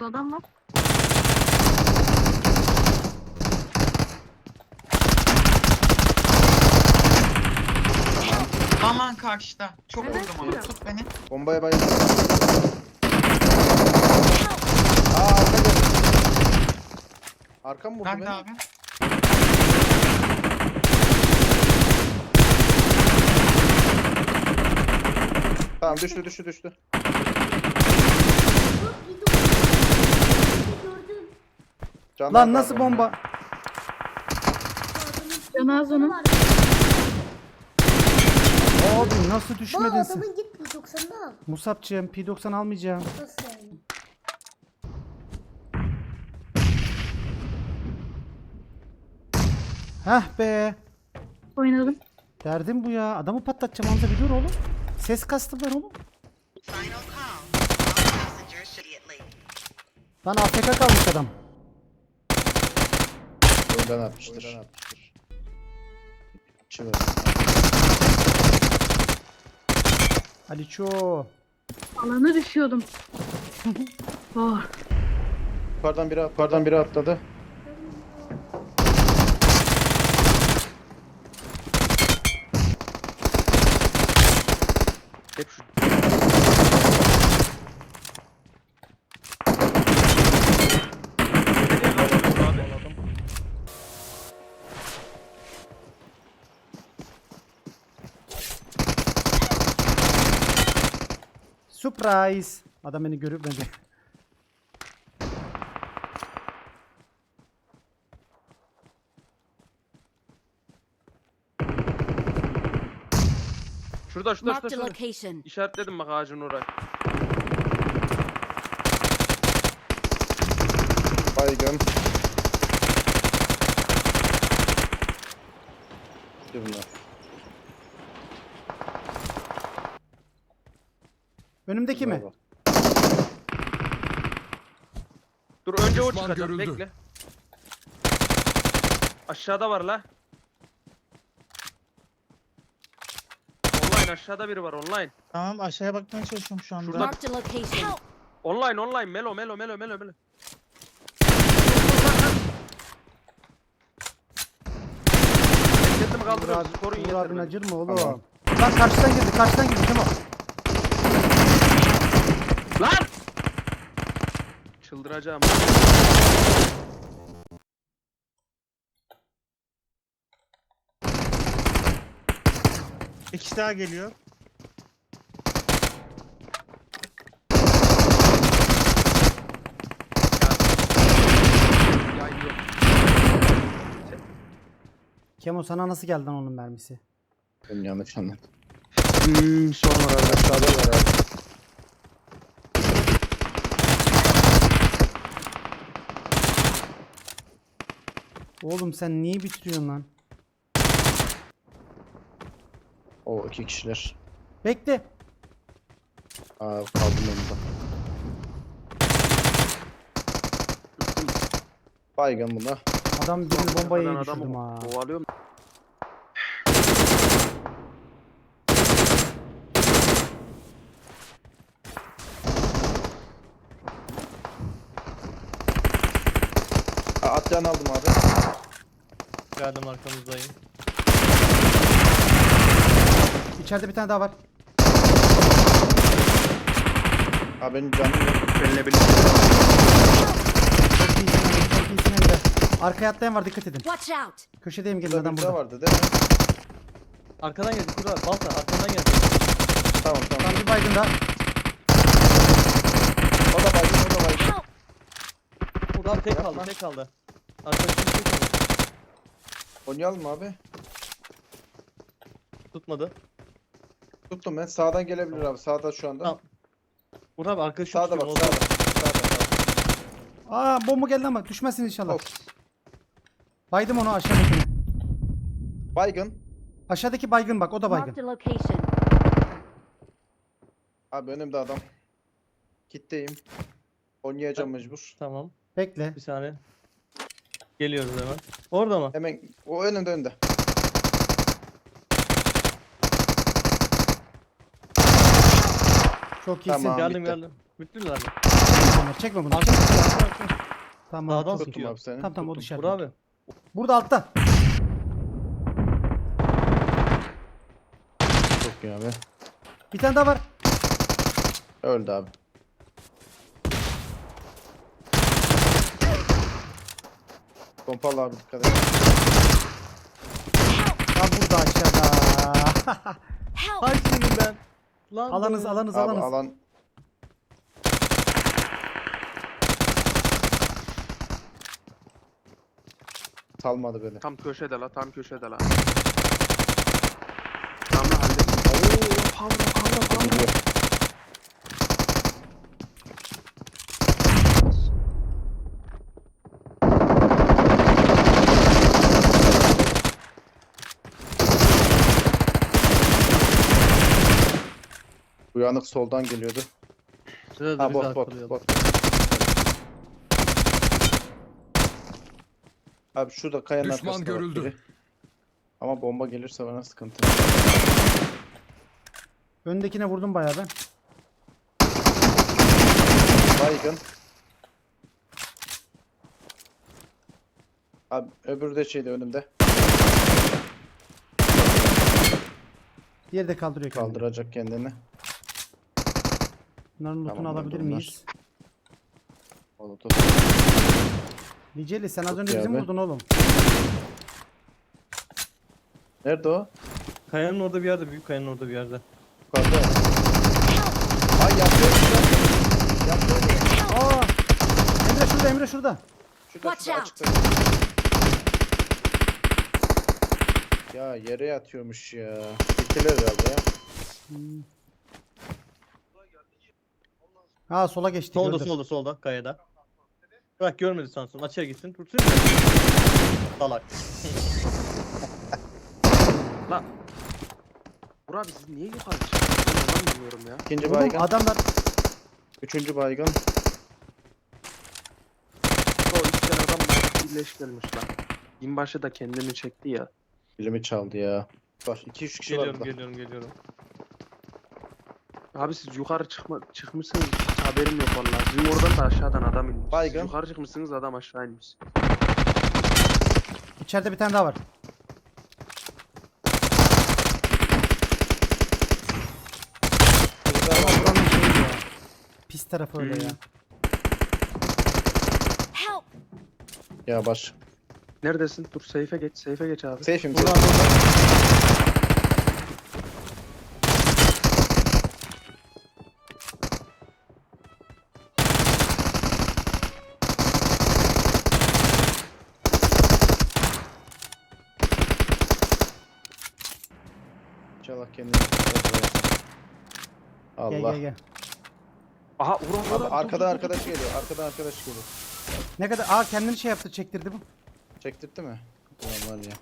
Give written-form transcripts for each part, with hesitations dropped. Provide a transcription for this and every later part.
Burada adam var. Aman karşıda. Çok Evet, vurdum onu. şurada. Tut beni. Bombaya bayıldım. Arka geldi. Arka mı vurdu Nerede beni? abi? Tamam düştü. Canlar Lan var nasıl bomba? Canaz onun. Abi nasıl düşmedin sen? Adamın git P90'da al. Musab'cığım P90 almayacağım. Nasıl yani? Heh be. Oynadım. Derdim bu ya. Adamı patlatacağım Hamza bir dur oğlum. Ses kastım ben oğlum. Final call. All passengers should be at least. Lan AFK kalmış adam. Oyundan atmıştır. Çıvır. Aliço. Alana düşüyordum. Oh. Yukarıdan biri atladı. Hep şu. Surprise. Adam beni görüp bence. Şurada. Marked a location. İşaretledim bak ağacın oraya. Baygın. Bunlar. Önümdeki mi? Bravo. Dur önce o Düşman çıkacak görüldü. bekle. Aşağıda var la. Online aşağıda biri var online. Tamam aşağıya bakmaya çalışıyorum şu anda. Şurada. Marked a location. Online melo. Kendimi Uğur kaldırıyorum. abi, Koruyun Uğur abin yeter beni. acır mı oğlum? Tamam. Lan karşıdan girdi Kemal. Lan! Çıldıracağım. Bir kişi daha geliyor. Ya yok. Kemo sana nasıl geldi lan onun mermisi? Ben yanlış anladım. Sonra Aşağıda var abi. Oğlum sen niye bitiriyorsun lan? O iki kişiler. Bekle. Aa kaldım yanında. Baygın buna. Adam birini bombaya Adamı düşürdüm ha. kovalıyorum. Atlayan aldım abi. Geldim arkamızdayım. İçeride bir tane daha var. Abi benim canım yok. Benimle birlikte. Çok iyisin Emre. Arkaya atlayan var dikkat edin. Watch out. Köşedeyim gelin Burada adam bir daha burada. vardı değil mi? Arkadan geldi Kura. Balta arkadan geldi. Tamam. Tam bir baygın daha. O da baygın. Help. Buradan tek Yapma. kaldı. Arkadaşım tek kaldı. Oynayalım mı abi? Tutmadı. Tuttum ben. Sağdan gelebilir abi. Sağda şu anda. Tamam. Burada abi arkadaşım Sağda bak. tutuyor, Sağda. Aa bomba geldi ama düşmezsin inşallah. Of. Baydım onu aşağıdakini. Baygın. Aşağıdaki baygın bak o da Marked baygın. a location. Abi önümde adam. Kitleyim. Oynayacağım mecbur. Tamam. Bekle. Bir saniye. Geliyoruz hemen. Orada mı? Hemen o önünde. Çok iyisin. Tamam. Geldim bitti. geldim. Bittiler mi? Ömer. Çekme bunu. Arka Çekme. arka. Tamam. Sağdan çok iyi. Tuttum sıkıyor. abi seni. Tamam o tuttum. dışarıda. Vur abi. Burada altta. Çok iyi abi. Bir tane daha var. Öldü abi. Pompalı abi dikkat et. Lan burada aşağıda. Hay senin ben. Lan alanız be. alanız Abi alanız. alan salmadı beni. Tam köşede la, tam köşede la. Tamam la hallettim. Oo, pavra. Gidiyor. Uyanık soldan geliyordu. Şurada da Ha bizi bot arkalıyor. bot. Abi şurada kayanın Düşman arkasında bak görüldü. biri. Ama bomba gelirse bana sıkıntı. Öndekine vurdum bayağı ben. Baygın. Abi öbürü de şeyde önümde. Diğeri de kaldırıyor kendini. Kaldıracak kendini. Bunların lootunu Tamam, alabilir bunlar. miyiz? Onu tut. Liceli sen az Çok önce iyi bizi abi. vurdun oğlum. Nerede o? Kayanın orada bir yerde. Büyük kayanın orada bir yerde. Yukarıda. Ay yapıyor. Yapıyor. Aa! Emre şurada Emre şurada. Şurada Watch şurada out. açıkta. Ya yere yatıyormuş ya. Bittiler herhalde ya. Ha sola geçti. Solda gördüm. solda kayada. Bırak görmedi sansın. Açığa gitsin. Tutsun. Salak. La. Burak abi siz niye yukarı çıktınız? Ben bilmiyorum ya. İkinci Oğlum baygın. adamlar Üçüncü baygın. O 3 tane adam birleş gelmiş lan. Binbaşı da kendini çekti ya. Bilimi çaldı ya. Var 2-3 kişi var Geliyorum burada. geliyorum. Abi siz yukarı çıkmışsınız, hiç haberim yok vallahi. Sizin oradan da aşağıdan adam inmiş. Baygın. Siz yukarı çıkmışsınız, adam aşağı inmiş. içeride bir tane daha var. Burada Ama var. buranın şeyi ya. Pis tarafı öyle ya. Help! Ya baş. Neredesin? Dur safe'e geç, safe'e geç abi. Safe'im Burada safe. burada. İnşallah kendini. Allah. Gel gel gel. Aha Uğur Abi abi. arkadan arkadaş geliyor. Arkadan arkadaş geliyor. Ne kadar aa kendini şey yaptı çektirdi bu. Çektirtti mi? Ulan var ya.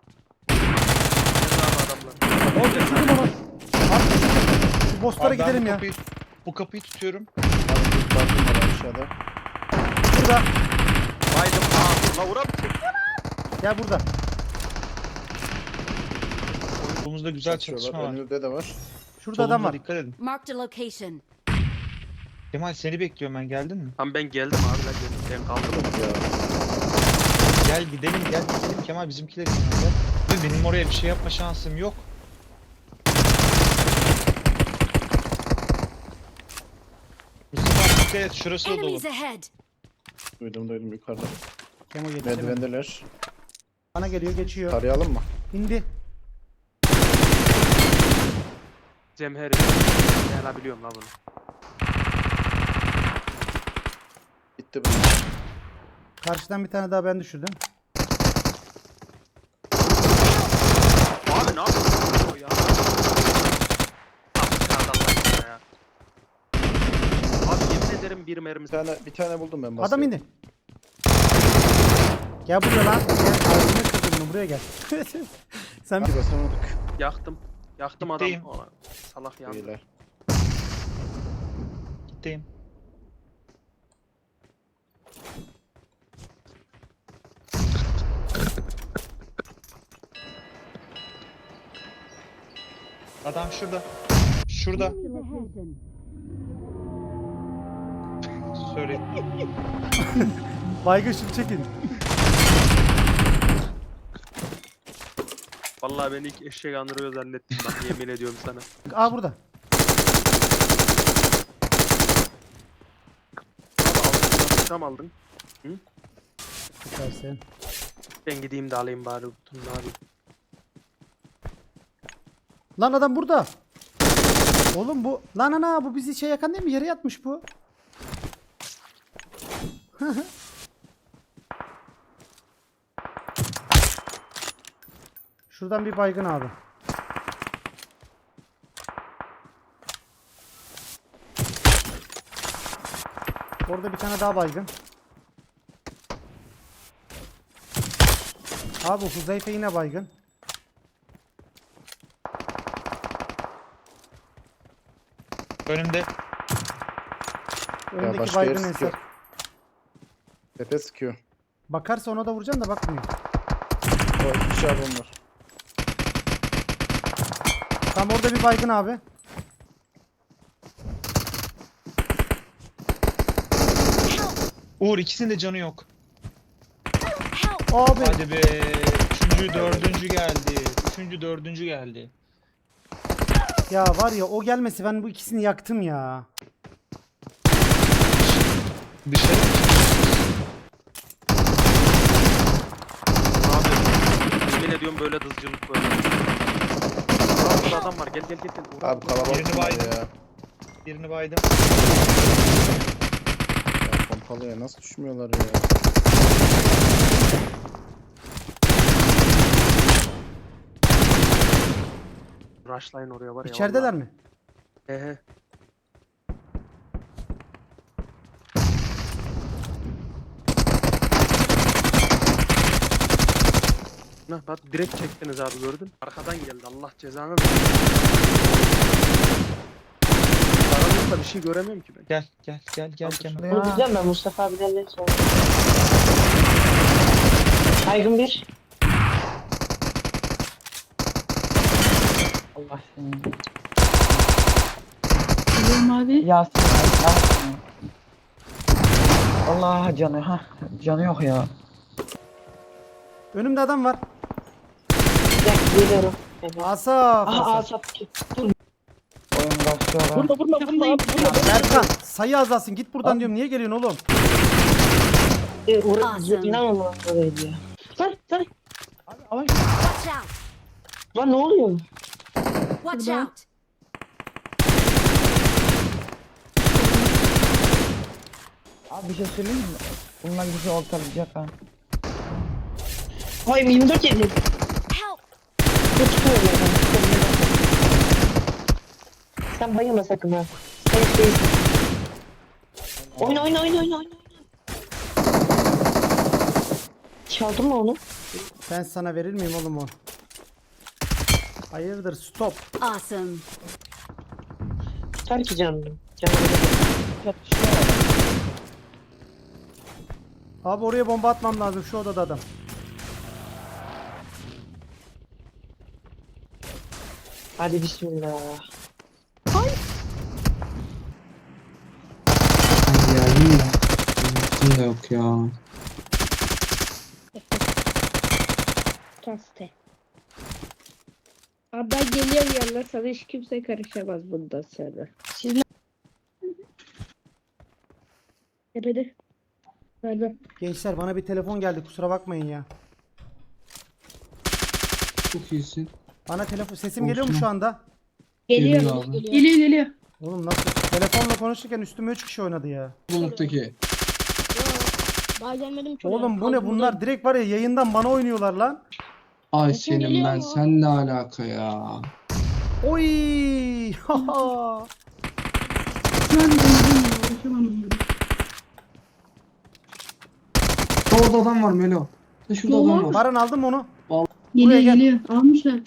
Adamlar. Oldu şurada baba. Abi şu bosslara Abi ben gidelim bu ya. bu kapıyı tutuyorum. Abi bir baktım var aşağıda. Burada. Baydım. Aa, la Uğur abi çek. Gel burada. Solumuzda güzel Çatışıyorlar. çatışma var. Önümüzde de var. Şurada adam Solumuza var. dikkat edin. Marked a location. Kemal seni bekliyorum ben, geldin mi? Tamam ben geldim abi la geldim. Ben kaldım. Ya. Gel gidelim Kemal bizimkiler için gel. Ve benim oraya bir şey yapma şansım yok. Mustafa dikkat et, şurası da dolu. Enemies ahead! Duydum yukarıda. Kemo yetişemedi. Merdivendeler. Bana geliyor geçiyor. Tarayalım mı? İndi. Cemheri. Ne la biliyorum la bunu. Gitti bu. Karşıdan bir tane daha ben düşürdüm. Abi ne yapıyorsun o ya? Abi çağırdı Allah aşkına ya. Abi yemin ederim bir mermisi. Bir tane buldum ben. Adam basıyorum. indi. Gel buraya lan. Gel ağzını kırdım bunu buraya gel. Sen Bir basamadık. Yaktım. Yaktım Gitteyim. adam. Ulan, salak yandı. Beyler. Gitteyim. Adam şurada. Şurada. Sorry. Baygın şunu çekin. Vallahi beni ilk eşek andırıyor zannettim bak yemin ediyorum sana. Aa burada. Tam aldın. Süpersin. Ben gideyim de alayım bari bunu abi. Lan adam burada. Oğlum bu. Lan ana bu bizi yakan değil mi? Yere yatmış bu. Şuradan bir baygın abi. Orada bir tane daha baygın. Abi Huzeyfe yine baygın. Önümde. Önündeki başka yer baygın sıkıyor. Ensar. Tepe sıkıyor. Bakarsa ona da vuracağım da bakmıyor. O iki şarbon var. Tam orada bir baygın abi. Uğur ikisinin de canı yok. Abi. Hadi be. Üçüncü, dördüncü geldi. Üçüncü, dördüncü geldi. Ya var ya o gelmesi ben bu ikisini yaktım ya. Dışarı mı? Abi yemin ediyorum böyle dızcılık böyle. Aa, burada adam var gel gel gel. Gel. Abi kalabalık Birini bunlar baydım. ya. Birini baydım. Ya pompalıya nasıl düşmüyorlar ya? Rushline oraya var ya. İçerideler mi? He. Nah bak direkt çektiniz abi gördün. Arkadan geldi Allah cezanı versin. Aranızda bir şey göremiyorum ki ben. Gel gel gel gel gel. Bunu diyeceğim ben Mustafa abilerle sonra. Saygın bir. Allah seni. Biliyorum abi. Yasin abi, Yasin. Allah canı ha. Canı yok ya. Önümde adam var. Bir dakika geliyorum. Evet. Asaf. Aha Asaf. Asaf ki. Dur. Oyun başlıyor. Burada. Ya Berkan sayı azalsın git buradan diyorum. Niye geliyorsun oğlum? Awesome. İnanamam oraydı ya. Lan. Abi, Watch out! lan ne oluyor? Watch out! Abi bir şey söyleyeyim mi? Bunlar bizi ortalayacak ha. Ay 24 yedi. Help! Tutuyorum ben. Sen bayılma sakın ha. Sen hiç değilsin. Oyna. Çaldın mı onu? Ben sana verir miyim oğlum o? Hayırdır stop. Awesome! Tutar ki canını. Abi oraya bomba atmam lazım şu odada adam. Hadi bismillah. Da yok ya. Kaste. Abi ben geliyorum yanına sana hiç kimse karışamaz bundan sonra. Siz ne? Tepede. Nerede? Gençler bana bir telefon geldi kusura bakmayın ya. Çok iyisin. Bana telefon sesim geliyor mu şu anda? Geliyor. Geliyor abi. Geliyor. Oğlum nasıl? Telefonla konuşurken üstüme 3 kişi oynadı ya. Bulunmaktaki. Daha gelmedim ki. Oğlum bu ne bunlar direkt var ya yayından bana oynuyorlar lan. Ay Sesim senin geliyor ben mu? sen ne alaka ya? Oy! Haha. Lan ben uğraşamam bunları. Orada adam var Melo. Şurada adam var. Baran aldın mı onu? Geliyor gel. geliyor. Almışlar.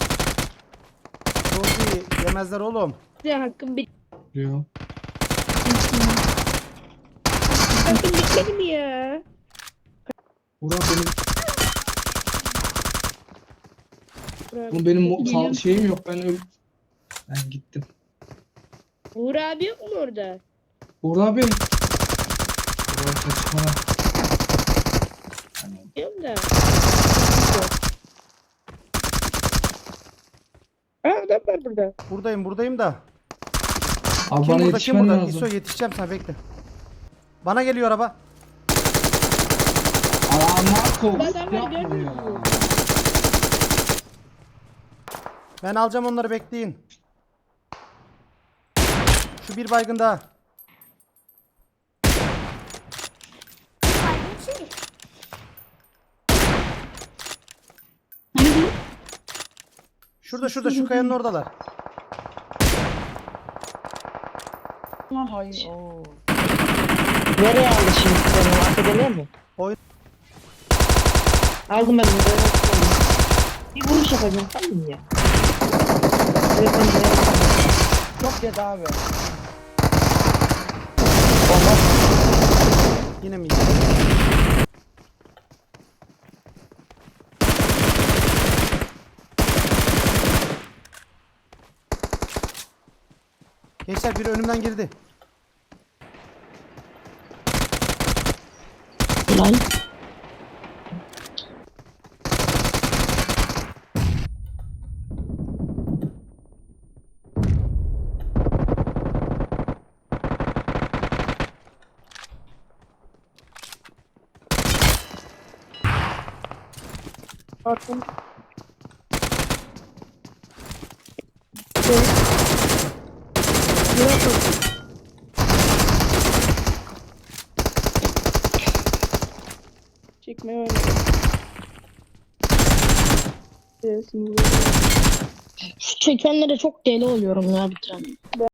Rozi yemezler oğlum. Size hakkım Diyor. bitmedi mi ya? Burak benim. Uğur Oğlum benim Geliyorum. şeyim yok ben gittim. Uğur abi yok mu orada? Burak abi saçmalama. Diyorum da. Adam var burada. Buradayım da. Abi Kim bana burada kim yetişmen burada? lazım. İso yetişeceğim sana bekle. Bana geliyor araba. Marco Adamları yapma gördünüz ya. mü? Ben alacağım onları bekleyin. Şu bir baygın daha. Nerede? Şurada şu kayanın oradalar. Hayır. Oo. Nereye aldı şimdi seni? Arkada mi? Oyun- Aldım ben bunu. Bir vuruş yapacağım tamam mı ya? Çok yedi abi. Yine mi? Gençler biri önümden girdi. Lan. Bakın. Çekmeye Şu çekenlere çok deli oluyorum ya bir tane.